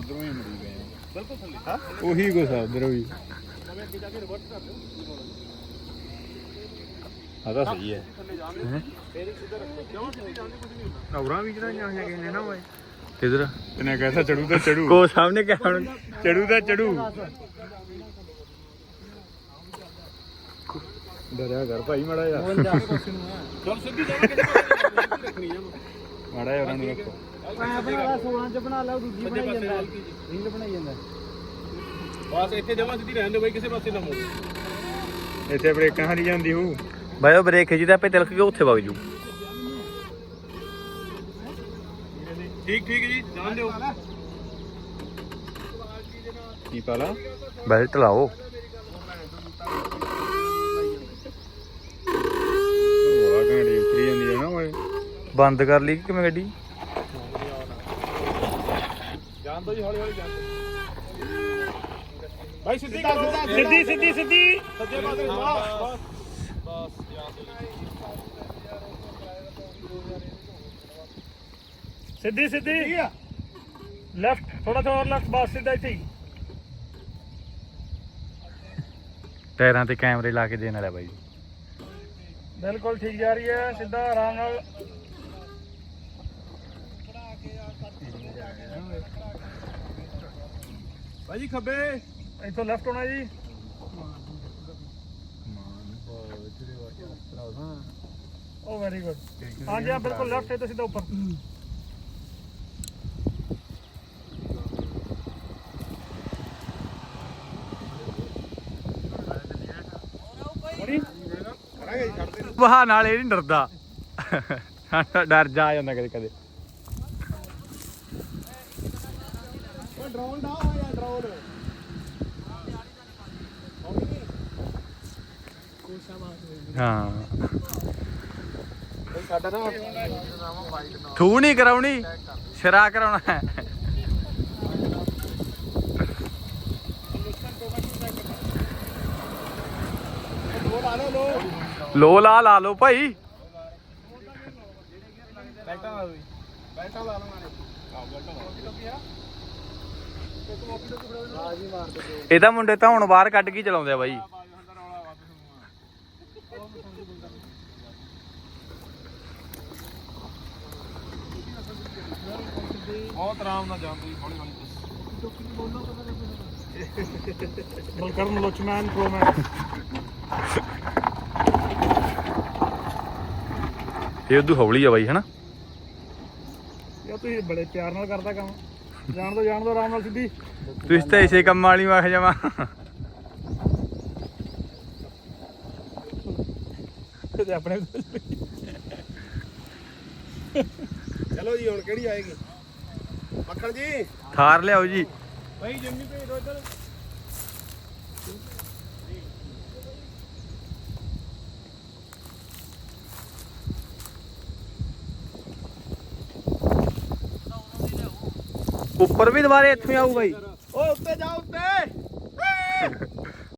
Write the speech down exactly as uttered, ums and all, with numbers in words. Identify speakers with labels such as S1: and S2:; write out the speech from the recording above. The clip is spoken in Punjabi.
S1: ਉਧਰੋਂ ਹੀ ਮੁੜੀ ਗਏ
S2: ਬਿਲਕੁਲ ਥੱਲੇ ਹਾਂ
S1: ਉਹੀ ਕੁਛ ਆ ਉਧਰੋਂ ਵੀ
S2: ਨਵੇਂ ਅੱਗੇ ਜਾ ਕੇ ਰਿਵਰਸ ਕਰ ਦਿਓ
S1: ਆ ਤਾਂ ਸਹੀ ਹੈ
S2: ਥੱਲੇ ਜਾਣਗੇ ਫੇਰ ਹੀ ਸਿੱਧਾ ਰੱਖੋ ਕਿਉਂ ਸਿੱਧੀ ਜਾਂਦੇ ਕੁਝ ਨਹੀਂ ਹੁੰਦਾ
S1: ਔਰਾਂ ਵੀ ਜਿਹੜਾ ਜਾਂ ਹੈਗੇ ਨੇ ਨਾ ਓਏ
S3: ਕਿਧਰ
S1: ਤੈਨੇ ਕਹਿਤਾ ਚੜੂ ਤਾਂ ਚੜੂ
S3: ਕੋ ਸਾਹਮਣੇ ਕਿਆ ਹੁਣ
S1: ਚੜੂ ਤਾਂ ਚੜੂ ਡਰਿਆ ਕਰ ਭਾਈ ਮਾੜਾ ਯਾਰ
S2: ਚਲ ਸਿੱਧੀ ਜਗ੍ਹਾ ਕਿਸੇ ਪਾਸੇ ਰੱਖਣੀ ਆ
S1: ਮਾੜਾ ਯਾਰ ਉਹਨੂੰ ਰੱਖੋ
S4: ਸੋਲਾਂ ਚ ਬਣਾ ਲਾ ਦੂਜੀ ਬਣਾਈ ਜਾਂਦਾ ਰੀਲ ਬਣਾਈ ਜਾਂਦਾ
S2: ਬਸ ਇੱਥੇ ਜਮਾ ਸਿੱਧੀ ਰਹਿਣ ਦਿਓ ਬਾਈ ਕਿਸੇ ਪਾਸੇ ਨਾ ਮੋੜ
S1: ਇੱਥੇ ਬ੍ਰੇਕਾਂ ਹਾਰੀ ਜਾਂਦੀ ਹੂ
S3: ਬਾਈ ਉਹ ਬ੍ਰੇਕ ਖਿੱਚਦਾ ਆਪੇ ਤਿਲਕ ਕੇ ਉੱਥੇ ਵਗ ਜੂ
S2: ਠੀਕ ਠੀਕ ਜੀ ਜਾਣ ਦਿਓ
S1: ਕੀ ਪਾਲਾ
S3: ਬੈਲਟ ਲਾਓ
S1: ਵਾਹ ਗਾੜੀ ਉਤਰੀ ਜਾਂਦੀ ਹੈ ਨਾ ਓਏ
S3: ਬੰਦ ਕਰ ਲਈ ਕਿਵੇਂ ਗੱਡੀ
S2: ਜਾਣ ਦਿਓ ਜੀ ਹੌਲੀ ਹੌਲੀ ਜਾਣ ਦਿਓ ਭਾਈ ਸਿੱਧੀ ਕਰੋ ਸਿੱਧੀ ਸਿੱਧੀ ਸਿੱਧੀ ਸੱਜੇ ਪਾਸੇ ਬਸ ਬਸ ਜਾਣ ਦਿਓ ਸਿੱਧੀ ਸਿੱਧੀ ਲੈਫਟ ਥੋੜਾ ਥੋੜਾ ਲੈਫਟ ਬਸ ਸਿੱਧਾ ਇੱਥੇ ਹੀ
S3: ਟਾਇਰਾਂ ਤੇ ਕੈਮਰੇ ਲਾ ਕੇ ਦੇਣ ਵਾਲਾ ਬਾਈ
S2: ਬਿਲਕੁਲ ਠੀਕ ਜਾ ਰਹੀ ਹੈ ਸਿੱਧਾ ਆਰਾਮ ਨਾਲ ਭਾਜੀ ਖੱਬੇ ਇੱਥੋਂ ਲੈਫਟ ਹੋਣਾ ਜੀ ਉਹ ਵੈਰੀ ਗੁੱਡ ਹਾਂਜੀ ਆ ਬਿਲਕੁਲ ਲੈਫਟ ਹੈ ਤਾਂ ਸਿੱਧਾ ਉੱਪਰ
S3: ਵਾਹ ਨਾਲ ਇਹ ਨਹੀਂ ਡਰਦਾ ਡਰ ਜਾ ਜਾਂਦਾ ਕਦੇ ਕਦੇ
S2: ਡਰੋਨ ਦਾ ਹੋਇਆ ਡਰੋਨ
S3: ਹਾਂ
S2: ਸਾਡਾ ਨਾ
S3: ਥੂ ਨਹੀਂ ਕਰਾਉਣੀ ਸ਼ਰਾ ਕਰਾਉਣਾ ਹੈ ਲੋ ਲਾ ਲਾ ਲੋ ਭਾਈ
S2: ਬੈਲਟਾਂ ਲਾ ਦੋ ਬੈਲਟਾਂ ਲਾ ਲਵਾਂਗੇ
S3: ਇਹ ਤਾਂ ਮੁੰਡੇ ਤਾਂ ਹੁਣ ਬਾਹਰ ਕੱਢ ਕੇ ਚਲਾਉਂਦੇ ਆ ਬਾਈ
S2: ਬਹੁਤ ਆਰਾਮ ਨਾਲ ਜਾਂਦੀ ਹੌਲੀ ਹੌਲੀ ਬਲਕਰਨ ਲੋਚਮੈਨ ਪ੍ਰੋਮੈਨ
S3: ਇਹ ਉਦੋਂ ਹੌਲੀ ਆ ਬਾਈ ਹਨਾ
S2: ਯਾ ਤੁਸੀਂ ਬੜੇ ਪਿਆਰ ਨਾਲ ਕਰਦਾ ਕੰਮ ਜਾਣ ਦੋ ਜਾਣ ਦੋ ਆਰਾਮ ਨਾਲ ਸਿੱਧੀ
S3: ਤੁਸੀਂ ਤਾਂ ਇਸੇ ਕੰਮ ਵਾਲੀ ਵਾਖ ਜਾਵਾ
S2: ਤੇ ਆਪਣੇ ਚਲੋ ਜੀ ਹੁਣ ਕਿਹੜੀ ਆਏਗੀ ਮੱਖਣ ਜੀ
S3: ਥਾਰ ਲਿਆਓ ਜੀ
S2: ਭਾਈ ਜਿੰਮੀ ਭੇਜ ਦੋ ਇੱਧਰ
S3: ਉੱਪਰ ਵੀ ਦੁਬਾਰੇ ਇੱਥੋਂ ਆਊ ਬਾਈ
S2: ਓਏ ਉੱਤੇ ਜਾ ਉੱਤੇ